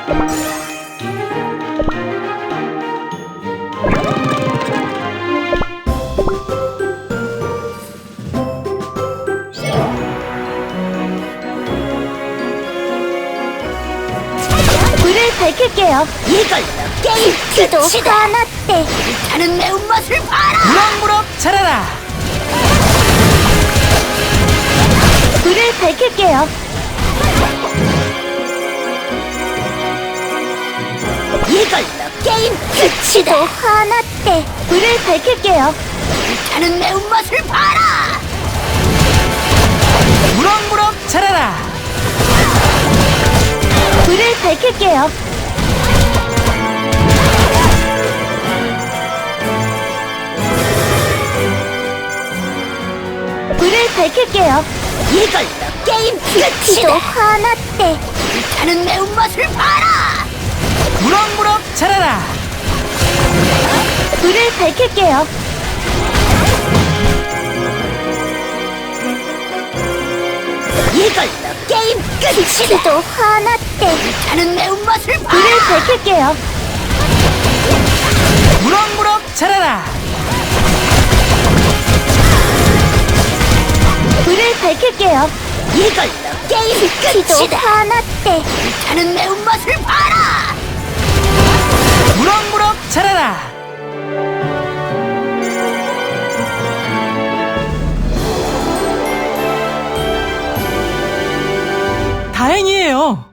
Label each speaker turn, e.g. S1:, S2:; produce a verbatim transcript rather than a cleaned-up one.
S1: 불을 밝힐게요.
S2: 이걸로 게임
S1: 지도
S2: 끝이다.
S1: 하나 때
S2: 불타는 매운맛을 봐라.
S3: 무럭무럭 자라라.
S1: 불을 밝힐게요.
S2: 이걸로 게임
S1: 지도
S2: 끝이다.
S1: 하나 때 불을 밝힐게요.
S2: 불타는 매운맛을 봐라.
S3: 무럭무럭 자라라.
S1: 불을 밝힐게요. 불을 밝힐게요.
S2: 이걸로 게임
S1: 지도
S2: 끝이다.
S1: 하나 때
S2: 불타는 매운맛을 봐라.
S3: 무럭무럭 자라라.
S1: 불을 밝힐게요.
S2: 이걸로 게임 끝이다.
S1: 지도 하나 때
S2: 불타는 매운맛을
S1: 불을
S2: 봐라.
S1: 밝힐게요.
S3: 무럭무럭 자라라.
S1: 불을 밝힐게요.
S2: 이걸로 게임
S1: 지도
S2: 끝이다.
S1: 하나 때
S2: 불타는 매운맛을 봐라.
S3: 무럭무럭 자라라. 다행이에요.